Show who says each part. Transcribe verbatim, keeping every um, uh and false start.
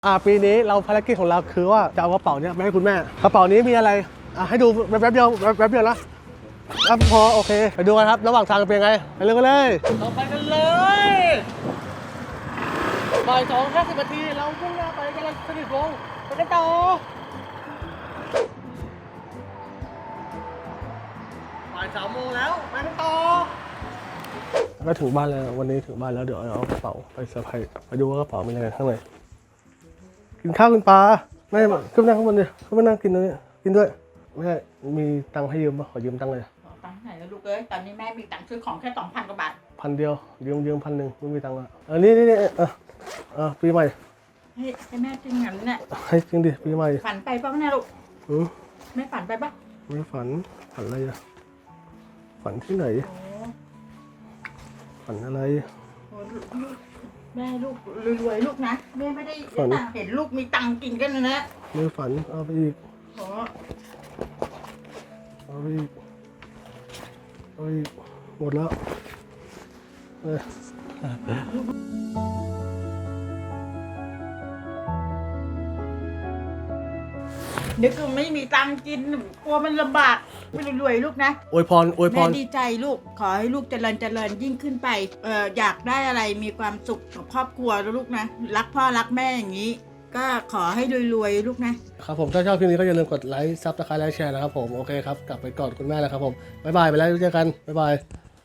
Speaker 1: อ่าปีนี้เราภารกิจของเราคือว่าจะเอากระเป๋าเนี้ยไปให้คุณแม่กระเป๋านี้มีอะไรอ่ะให้ดูแป๊บๆเดียวแป๊บๆเดียวนะแล้วพอโอเคไปดูกันครับระหว่างทางเป็นไงไปเร็วกันเลยเราไปกันเลยบ่ายสองห้าสิบนาทีเราพุ่งหน้าไปกำลังสนิทลงไปกันต่อบ่ายสามโมงแล้วไปกันต่อก็ถึงบ้านแล้ววันนี้ถึงบ้านแล้วเดี๋ยวเอากระเป๋าไปเซอร์ไพรส์ไปดูว่ากระเป๋ามีอะไรข้างในกินข้าวกินปลาไม่ขึ้นนั่งข้างบนดิขึ้นมานั่งกินตรงนี้กินด้วยไม่ใช่มีตังค์ให้ยืมป่ะขอยืมตังค์เลย
Speaker 2: ตังค์ไหนแล้วลูกเอ้ยตอนนี้แม่มีตังค์ซื้อของแค่สองพันกว่าบาท
Speaker 1: พันเดียวยืมยืมพันหนึ่งไม่มีตังค์อ่ะเออนี่นี่นี่เออเออปีใหม่
Speaker 2: ให้ให้แม่จริงงั้นเนี่ย
Speaker 1: ให้จริงดิปีใหม่
Speaker 2: ฝันไปป่ะเนี่ยลูก
Speaker 1: อืม
Speaker 2: ไม่ฝันไปป่ะ
Speaker 1: ไม่ฝันฝันอะไรอ่ะฝันที่ไหนฝันอะไร
Speaker 2: โอ้แม่ลูกรวยๆลูกนะแม่ไม่ได้ตังเห็นลูกมีตังกินกันนะ
Speaker 1: ไม่ฝันเอาไปอีกเอาไปอีกเอาไปอีกหมดแล้วเออ
Speaker 2: นึกว่าไม่มีตังกินกลัวมันลำบากไม่รวยๆลูกนะ
Speaker 1: อวยพรอวยพร
Speaker 2: แม่ดีใจลูกขอให้ลูกเจริญเจริญยิ่งขึ้นไปเอ่ออยากได้อะไรมีความสุขกับครอบครัวลูกนะรักพ่อรักแม่อย่างนี้ก็ขอให้รวยๆลูกนะครับ
Speaker 1: ผมถ้าชอบคลิปนี้ก็อย่าลืมกดไลค์ซับสไครต์ไลค์แชร์นะครับผมโอเคครับกลับไปกอดคุณแม่แล้วครับผมบ๊ายบายไปแล้วเจอกันบ๊ายบาย